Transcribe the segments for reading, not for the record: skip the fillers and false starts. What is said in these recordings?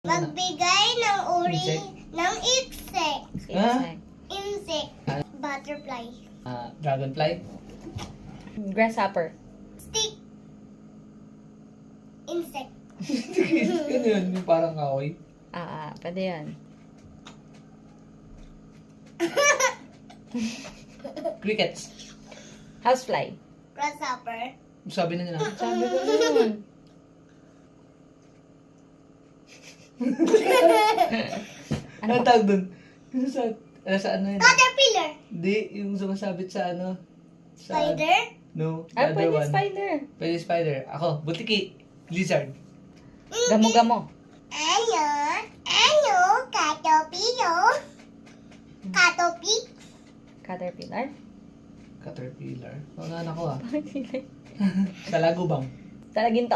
Magbigay ng uri Insect? ng insect. Ah? Insect. Butterfly. Dragonfly? Grasshopper. Stick. Insect. Ano yun? Yung parang kahoy? Pwede yan. Crickets. Housefly. Grasshopper. Sabi na nila. Sabi ko yun. Ano tawag dun? Yung sa ano yun? Caterpillar. Hindi, yung sumasabit sa ano? Sa, Spider. No, the other Pwede one. spider. Pwede spider. Ako, butiki. Lizard. Gamo-gamo. Ano? Ano? Caterpillar. Caterpillar. Caterpillar. Caterpillar. Mga anak ko ah. Bakit sila? Talagubang. Talaginto.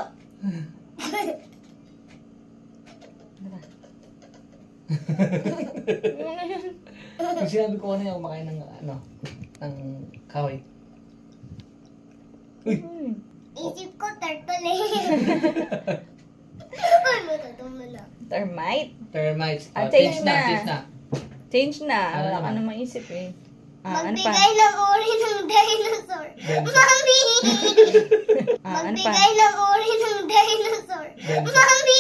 Yung sinabi ko ano yung kumakain ng ano, ng kahoy. Uy! Isip ko turtle eh. Ano to mo na? Termite. Termites. Change Change na. na. Change na. Change na. Ano Wala ka naman? na maisip eh. Ano pa? Magbigay ng uri ng dinosaur. Dinosaur. Mami! Ano pa? Magbigay ng uri ng dinosaur. Dinosaur. Mami!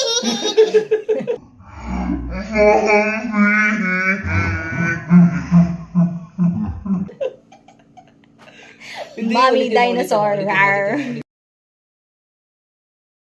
Hindi, Mommy ulitin mo, dinosaur. ulitin mo, ulitin mo, Rar. ulitin mo.